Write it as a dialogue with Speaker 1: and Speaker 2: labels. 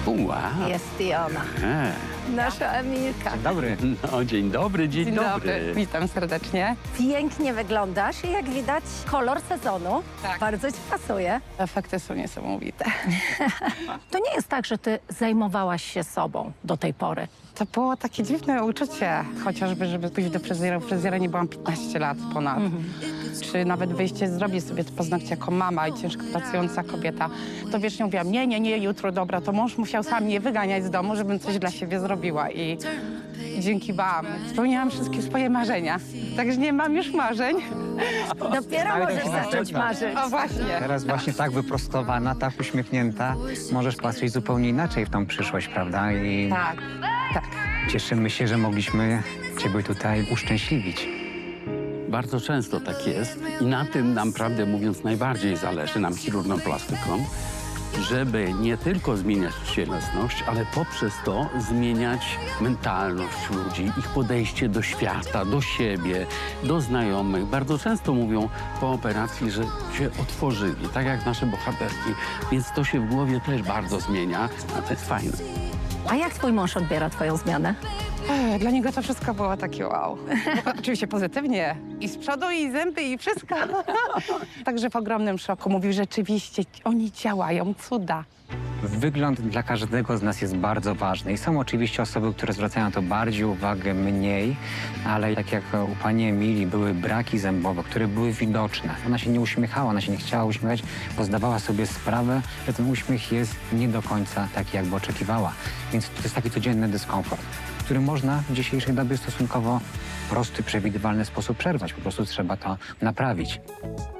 Speaker 1: Wow.
Speaker 2: Jest i ona, nasza Emilka.
Speaker 3: Dzień dobry.
Speaker 1: No, dzień dobry, dzień dobry.
Speaker 4: Witam serdecznie.
Speaker 2: Pięknie wyglądasz i jak widać kolor sezonu
Speaker 4: Tak.
Speaker 2: bardzo ci pasuje.
Speaker 4: Efekty są niesamowite.
Speaker 2: To nie jest tak, że ty zajmowałaś się sobą do tej pory.
Speaker 4: To było takie dziwne uczucie, chociażby, żeby pójść do fryzjera. Fryzjera nie byłam 15 lat ponad. Czy nawet wyjście zrobić sobie te paznokcie jako mama i ciężko pracująca kobieta. To wiecznie mówiłam, nie, jutro, dobra, to mąż musiał sam mnie wyganiać z domu, żebym coś dla siebie zrobiła. I dzięki wam spełniałam wszystkie swoje marzenia. Także nie mam już marzeń.
Speaker 2: Dopiero
Speaker 3: Ale
Speaker 2: możesz
Speaker 3: to się
Speaker 2: zacząć
Speaker 3: zaczyna.
Speaker 2: marzyć.
Speaker 4: O właśnie.
Speaker 3: Teraz właśnie tak wyprostowana, tak uśmiechnięta, możesz patrzeć zupełnie inaczej w tą przyszłość, prawda? I
Speaker 4: Tak, tak.
Speaker 3: cieszymy się, że mogliśmy Ciebie tutaj uszczęśliwić.
Speaker 1: Bardzo często tak jest i na tym nam, prawdę mówiąc, najbardziej zależy, nam chirurgom plastykom, żeby nie tylko zmieniać cielesność, ale poprzez to zmieniać mentalność ludzi, ich podejście do świata, do siebie, do znajomych. Bardzo często mówią po operacji, że się otworzyli, tak jak nasze bohaterki, więc to się w głowie też bardzo zmienia, a to jest fajne.
Speaker 2: A jak twój mąż odbiera twoją zmianę?
Speaker 4: Dla niego to wszystko było takie wow. Oczywiście pozytywnie. I z przodu, i zęby, i wszystko. Także w ogromnym szoku. Mówił, rzeczywiście oni działają, cuda.
Speaker 3: Wygląd dla każdego z nas jest bardzo ważny i są oczywiście osoby, które zwracają na to bardziej uwagę, mniej, ale tak jak u pani Emilii były braki zębowe, które były widoczne. Ona się nie uśmiechała, ona się nie chciała uśmiechać, bo zdawała sobie sprawę, że ten uśmiech jest nie do końca taki, jakby oczekiwała. Więc to jest taki codzienny dyskomfort, który można w dzisiejszej dobie stosunkowo prosty, przewidywalny sposób przerwać. Po prostu trzeba to naprawić.